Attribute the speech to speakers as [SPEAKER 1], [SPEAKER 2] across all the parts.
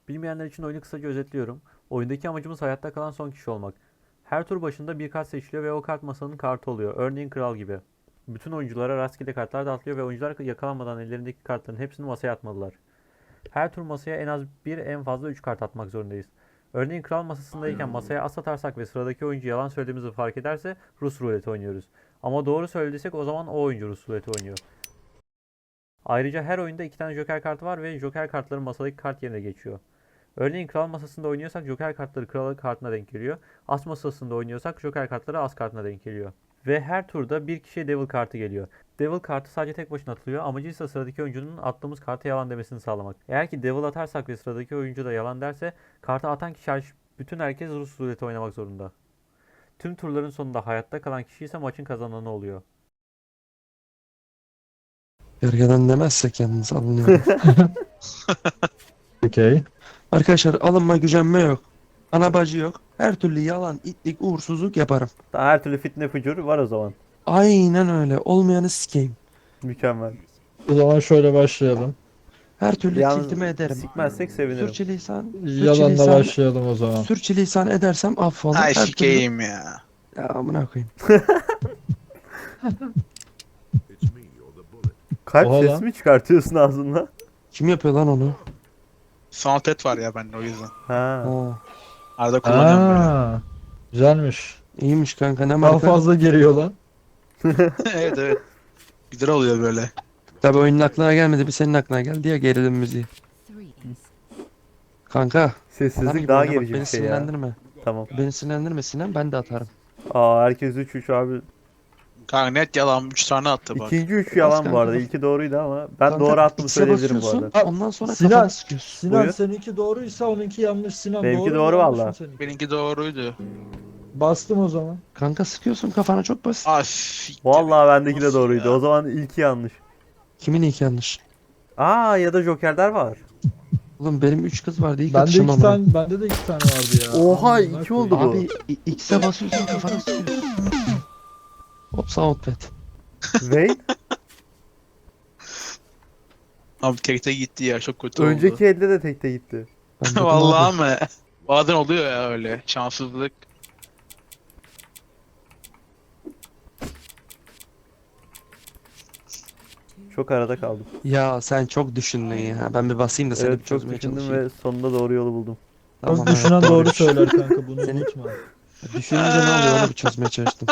[SPEAKER 1] Bilmeyenler için oyunu kısaca özetliyorum. Oyundaki amacımız hayatta kalan son kişi olmak. Her tur başında bir kart seçiliyor ve o kart masanın kartı oluyor. Örneğin kral gibi. Bütün oyunculara rastgele kartlar dağıtılıyor ve oyuncular yakalanmadan ellerindeki kartların hepsini masaya atmalılar. Her tur masaya en az bir, en fazla 3 kart atmak zorundayız. Örneğin kral masasındayken masaya as atarsak ve sıradaki oyuncu yalan söylediğimizi fark ederse Rus ruleti oynuyoruz. Ama doğru söylediysek o zaman o oyuncu Rus ruleti oynuyor. Ayrıca her oyunda 2 tane joker kartı var ve joker kartları masadaki kart yerine geçiyor. Örneğin kral masasında oynuyorsak joker kartları kral kartına denk geliyor. As masasında oynuyorsak joker kartları as kartına denk geliyor. Ve her turda bir kişiye devil kartı geliyor. Devil kartı sadece tek başına atılıyor. Amacı ise sıradaki oyuncunun attığımız karta yalan demesini sağlamak. Eğer ki devil atarsak ve sıradaki oyuncu da yalan derse kartı atan kişi hariç bütün herkes Rus ruleti oynamak zorunda. Tüm turların sonunda hayatta kalan kişi ise maçın kazananı oluyor.
[SPEAKER 2] Gergeden demezsek yalnız alınıyorum.
[SPEAKER 3] Okey.
[SPEAKER 2] Arkadaşlar alınma gücenme yok. Ana bacı yok. Her türlü yalan, itlik, uğursuzluk yaparım.
[SPEAKER 1] Daha her türlü fitne fucur var o zaman.
[SPEAKER 2] Aynen öyle. Olmayanı sikeyim.
[SPEAKER 1] Mükemmel.
[SPEAKER 3] O zaman şöyle başlayalım.
[SPEAKER 2] Her türlü tiltime
[SPEAKER 1] Yalnız
[SPEAKER 2] ederim.
[SPEAKER 1] sikmezsek sevinirim.
[SPEAKER 3] Yalanla başlayalım o zaman.
[SPEAKER 2] Sürçülisan edersem affola.
[SPEAKER 4] Ay
[SPEAKER 2] Her türlü...
[SPEAKER 4] sikeyim ya.
[SPEAKER 2] Ya amına koyayım.
[SPEAKER 1] Kalp
[SPEAKER 3] Oha
[SPEAKER 1] sesi
[SPEAKER 3] lan.
[SPEAKER 1] mi çıkartıyorsun ağzından?
[SPEAKER 2] Kim yapıyor lan onu?
[SPEAKER 4] Soundpad var ya bende o yüzden.
[SPEAKER 1] Ha.
[SPEAKER 2] Ha,
[SPEAKER 4] Arada kullanıyorum böyle.
[SPEAKER 3] Aa, güzelmiş.
[SPEAKER 2] iyiymiş kanka ne
[SPEAKER 3] Daha
[SPEAKER 2] marka?
[SPEAKER 3] fazla geliyor lan.
[SPEAKER 4] Evet evet. Güzel oluyor böyle.
[SPEAKER 2] Tabi oyunun aklına gelmedi bir senin aklına geldi ya gerilim müziği. Kanka. Adam
[SPEAKER 1] Sessizlik
[SPEAKER 2] gibi
[SPEAKER 1] daha
[SPEAKER 2] oyna bak
[SPEAKER 1] gerici bir
[SPEAKER 2] beni
[SPEAKER 1] şey ya.
[SPEAKER 2] sinirlendirme.
[SPEAKER 1] Tamam.
[SPEAKER 2] Beni sinirlendirme Sinem ben de atarım.
[SPEAKER 1] Aa, herkes 3-3 abi.
[SPEAKER 4] Kanka net yalan 3 tane attı bak.
[SPEAKER 1] İkinci 3
[SPEAKER 2] Bas
[SPEAKER 1] yalan bu
[SPEAKER 2] kanka,
[SPEAKER 1] arada.
[SPEAKER 2] bas.
[SPEAKER 1] İlki doğruydu ama ben
[SPEAKER 2] Kanka,
[SPEAKER 1] doğru attığımı
[SPEAKER 2] X'e
[SPEAKER 1] söyleyebilirim bu
[SPEAKER 2] basıyorsun,
[SPEAKER 1] arada.
[SPEAKER 2] ondan sonra
[SPEAKER 3] Sinan-
[SPEAKER 2] kafana sıkıyorsun.
[SPEAKER 3] Sinan
[SPEAKER 1] Buyur.
[SPEAKER 3] seninki doğruysa onunki yanlış. Sinan
[SPEAKER 1] Benimki
[SPEAKER 3] doğru
[SPEAKER 1] doğru
[SPEAKER 3] mu, yanlış
[SPEAKER 1] valla.
[SPEAKER 3] mı seninki?
[SPEAKER 4] Benimki doğruydu.
[SPEAKER 3] Bastım o zaman.
[SPEAKER 2] Kanka sıkıyorsun kafana çok basit.
[SPEAKER 4] Ah siktir.
[SPEAKER 1] Vallahi bendeki de
[SPEAKER 4] Nasıl
[SPEAKER 1] doğruydu.
[SPEAKER 4] ya?
[SPEAKER 1] O zaman ilki yanlış.
[SPEAKER 2] Kimin ilk yanlış?
[SPEAKER 1] Aa, ya da jokerler var.
[SPEAKER 2] Oğlum benim 3 kız vardı ilk
[SPEAKER 3] Bende
[SPEAKER 2] atışım
[SPEAKER 3] iki
[SPEAKER 2] amına.
[SPEAKER 3] tane, bende de iki tane vardı ya.
[SPEAKER 1] Oha,
[SPEAKER 3] Amına
[SPEAKER 1] iki oldu
[SPEAKER 3] koyayım.
[SPEAKER 1] bu.
[SPEAKER 2] Abi X'e basıyorsun kafana sıkıyorsun. Hop soundpad.
[SPEAKER 1] Wait.
[SPEAKER 4] Abi tekte gitti ya çok kötü oldu.
[SPEAKER 1] Önceki elde de tekte gitti.
[SPEAKER 2] Ben dedim
[SPEAKER 4] Vallahi
[SPEAKER 2] abi,
[SPEAKER 4] mı? Bazen oluyor ya öyle. Şanssızlık.
[SPEAKER 1] Çok arada kaldım.
[SPEAKER 2] ya sen çok düşündün ya. Ben bir basayım da seni bir
[SPEAKER 1] Evet, çok
[SPEAKER 2] çözmeye
[SPEAKER 1] düşündüm
[SPEAKER 2] çalışayım.
[SPEAKER 1] ve sonunda doğru yolu buldum.
[SPEAKER 2] Tamam,
[SPEAKER 3] Çok
[SPEAKER 2] evet,
[SPEAKER 3] düşünen doğru
[SPEAKER 2] doğruymuş.
[SPEAKER 3] söyler kanka bunu
[SPEAKER 2] Senin-
[SPEAKER 3] unutma.
[SPEAKER 2] Düşününce ne oluyor onu bir çözmeye çalıştım.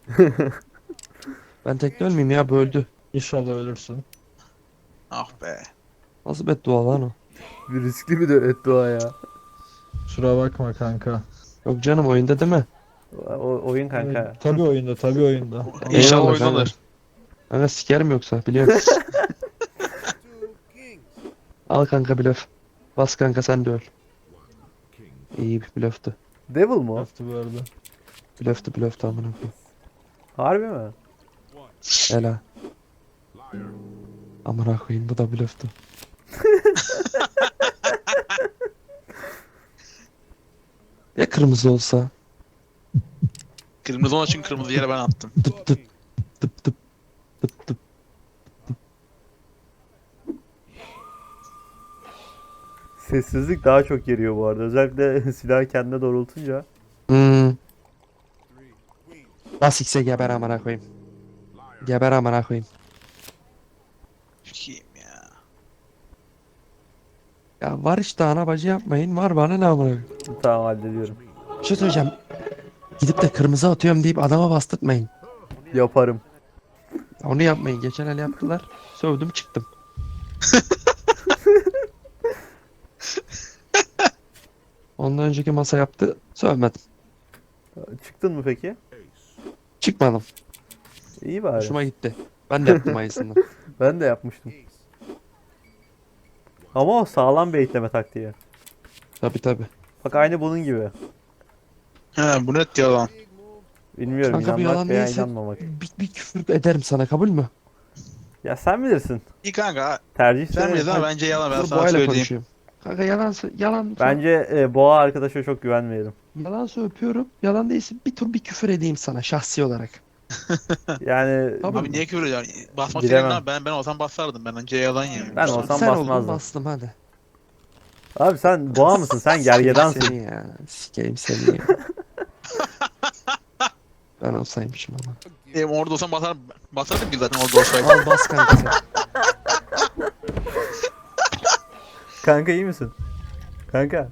[SPEAKER 2] Ben tekte ölmeyeyim ya böldü.
[SPEAKER 3] İnşallah ölürsün.
[SPEAKER 4] Ah be.
[SPEAKER 2] Nasıl beddua lan o?
[SPEAKER 1] Bir riskli bir de dua ya.
[SPEAKER 3] Kusura bakma kanka.
[SPEAKER 2] Yok canım oyunda değil mi?
[SPEAKER 1] Oyun kanka.
[SPEAKER 3] Evet, tabii oyunda, tabii oyunda.
[SPEAKER 4] İnşallah
[SPEAKER 2] Eyvallah
[SPEAKER 4] oynanır.
[SPEAKER 2] kanka. Kanka sikerim yoksa biliyorum. Al kanka blöf. Bas kanka sen de öl. İyi bir blöftü.
[SPEAKER 1] Devil mu? o?
[SPEAKER 3] Yaptı bu arada.
[SPEAKER 2] Blöftü amına koyayım.
[SPEAKER 1] Harbi mi?
[SPEAKER 2] Ela. Amına koyayım bu da blöftü. Ya kırmızı olsa?
[SPEAKER 4] Kırmızı onun için kırmızı yere ben attım.
[SPEAKER 2] Tıp tıp tıp tıp tıp tıp.
[SPEAKER 1] Sessizlik daha çok geriyor bu arada. Özellikle silahı kendine doğrultunca.
[SPEAKER 2] Hmm. Bas X'e geber amına koyayım. Geber amına koyayım.
[SPEAKER 4] Sikeyim ya.
[SPEAKER 2] Ya var işte ana bacı yapmayın. Var bana ne amına koyayım.
[SPEAKER 1] Tamam, hallediyorum.
[SPEAKER 2] Bir şey söyleyeceğim. Gidip de kırmızı atıyorum deyip adama bastırtmayın.
[SPEAKER 1] Yaparım.
[SPEAKER 2] Onu yapmayın. Geçen el yaptılar. Sövdüm çıktım. Ondan önceki masa yaptı. Sövmedim.
[SPEAKER 1] Çıktın mı peki?
[SPEAKER 2] Çıkmadım.
[SPEAKER 1] İyi bari.
[SPEAKER 2] Hoşuma gitti. Ben de yaptım aynısını.
[SPEAKER 1] Ben de yapmıştım. Ama o sağlam bir ekleme taktiği.
[SPEAKER 2] Tabi tabi.
[SPEAKER 1] Bak aynı bunun gibi.
[SPEAKER 4] He bu net yalan.
[SPEAKER 1] Bilmiyorum,
[SPEAKER 2] Kanka bu
[SPEAKER 1] inanmak
[SPEAKER 2] yalan
[SPEAKER 1] veya
[SPEAKER 2] değilse
[SPEAKER 1] inanmamak.
[SPEAKER 2] bir küfür ederim sana kabul mü?
[SPEAKER 1] Ya sen bilirsin.
[SPEAKER 4] İyi kanka.
[SPEAKER 1] Tercih
[SPEAKER 4] Sen
[SPEAKER 1] senin.
[SPEAKER 4] bilirsin ama bence yalan ben
[SPEAKER 2] Dur
[SPEAKER 4] sana
[SPEAKER 2] boğayla
[SPEAKER 4] söyleyeyim.
[SPEAKER 2] konuşuyorum. Kanka yalan
[SPEAKER 1] Bence boğa arkadaşa çok güvenmeyelim.
[SPEAKER 2] yalansa öpüyorum. Yalan değilse bir tur bir küfür edeyim sana şahsi olarak.
[SPEAKER 1] Yani
[SPEAKER 2] Tamam.
[SPEAKER 4] Abi niye küfür ediyorsun? Basmak
[SPEAKER 1] Bilemem.
[SPEAKER 4] istedin abi ben olsam basardım ben önce yalan yani.
[SPEAKER 1] Ben olsam
[SPEAKER 2] Sen oldun
[SPEAKER 1] basmazdım.
[SPEAKER 2] bastım hadi.
[SPEAKER 1] Abi sen boğa mısın? Sen gergedansın.
[SPEAKER 2] Seni ya. Sikeyim seni ya. Ben olsaymışım ama.
[SPEAKER 4] Orada olsam basardım ki zaten orada olsaydım.
[SPEAKER 2] Al bas kanka sen.
[SPEAKER 1] Kanka iyi misin? Kanka.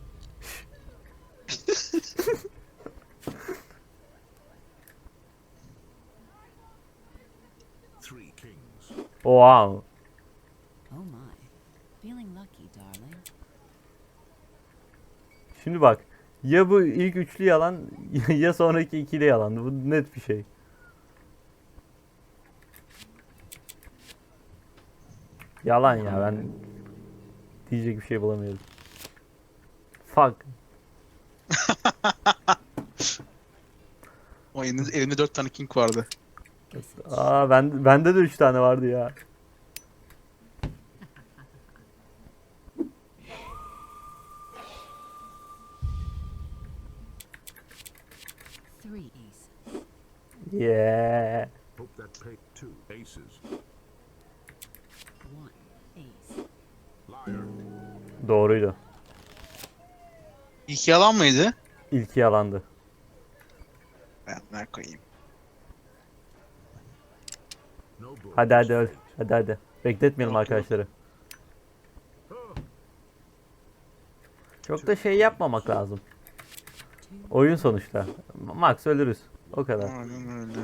[SPEAKER 1] Wow.
[SPEAKER 5] Oh my. Feeling lucky, darling.
[SPEAKER 1] Şimdi bak. Ya bu ilk üçlü yalan ya sonraki ikili yalan. Bu net bir şey. Yalan ya, ben diyecek bir şey bulamıyorum. Fuck.
[SPEAKER 4] O elinde 4 tane king vardı.
[SPEAKER 1] Aa, bende de 3 tane vardı ya.
[SPEAKER 5] Three aces.
[SPEAKER 1] Yeah.
[SPEAKER 6] Hope that paid 2 aces.
[SPEAKER 5] One ace.
[SPEAKER 6] Liar.
[SPEAKER 1] Doğruydu.
[SPEAKER 4] İlk yalan mıydı?
[SPEAKER 1] İlki yalandı.
[SPEAKER 4] Ben ne koyayım.
[SPEAKER 6] No bull.
[SPEAKER 1] Hadi hadi öl. Hadi hadi. Bekletmeyelim
[SPEAKER 4] Yok,
[SPEAKER 1] arkadaşları. Çok da şey yapmamak lazım. Oyun sonuçta. Max ölürüz. O kadar.
[SPEAKER 4] Aynen öyle.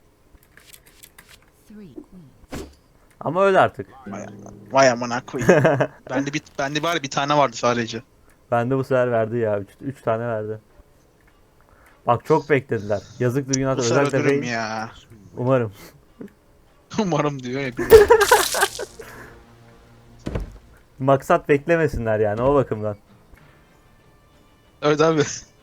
[SPEAKER 5] Three queens.
[SPEAKER 1] Ama öl artık.
[SPEAKER 4] Vay amına koyayım. bende bari bir tane vardı sadece.
[SPEAKER 1] Bende bu sefer verdi ya. 3 tane verdi. Bak çok beklediler. Yazıktır
[SPEAKER 4] Bu
[SPEAKER 1] günahtır.
[SPEAKER 4] sefer
[SPEAKER 1] Özellikle
[SPEAKER 4] ölürüm
[SPEAKER 1] Bey.
[SPEAKER 4] ya.
[SPEAKER 1] Umarım.
[SPEAKER 4] Umarım diyor ya.
[SPEAKER 1] Maksat beklemesinler yani o bakımdan.
[SPEAKER 4] Evet abi.